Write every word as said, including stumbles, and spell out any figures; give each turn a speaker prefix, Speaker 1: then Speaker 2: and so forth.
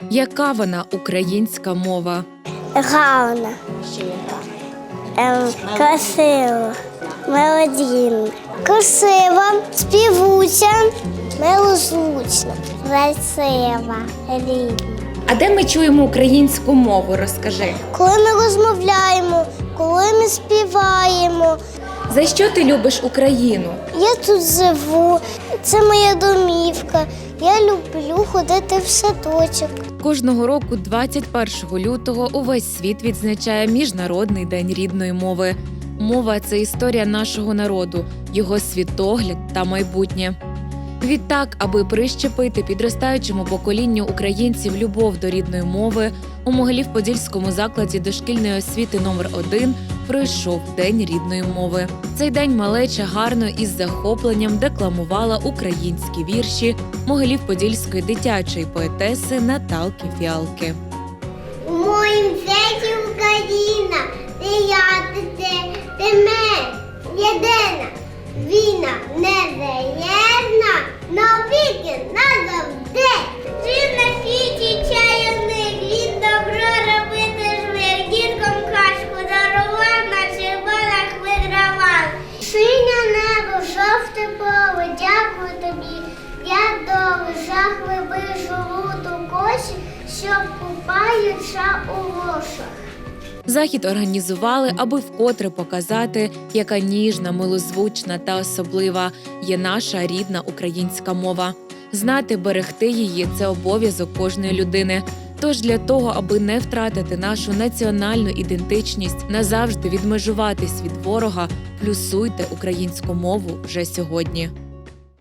Speaker 1: Яка вона українська мова?
Speaker 2: Гарна, ем, красива, мелодійна, красива, співуча, милозвучна, красива, рідна.
Speaker 1: А де ми чуємо українську мову? Розкажи.
Speaker 2: Коли ми розмовляємо, коли ми співаємо.
Speaker 1: За що ти любиш Україну?
Speaker 2: Я тут живу, це моя домівка. Я люблю ходити в садочок.
Speaker 1: Кожного року, двадцять першого лютого, увесь світ відзначає Міжнародний день рідної мови. Мова – це історія нашого народу, його світогляд та майбутнє. Відтак, аби прищепити підростаючому поколінню українців любов до рідної мови, у Могилів-Подільському закладі дошкільної освіти номер один пройшов День рідної мови. Цей день малеча гарно і з захопленням декламувала українські вірші Могилів-Подільської дитячої поетеси Наталки Фіалки.
Speaker 2: У моїм світі Україна, ти я, ти ти, ти ми, єдина, війна незалежна, навіки, назавжди. Ти на світі чайовник, він добро робити жмих, діткам кашку дарував, на червонах вигравав. Синє небо, жовте поле, дякую тобі, я долу, жах вибив жолуду коші, що купаються у лошах.
Speaker 1: Захід організували, аби вкотре показати, яка ніжна, милозвучна та особлива є наша рідна українська мова. Знати, берегти її – це обов'язок кожної людини. Тож для того, аби не втратити нашу національну ідентичність, назавжди відмежуватись від ворога, плюсуйте українську мову вже сьогодні.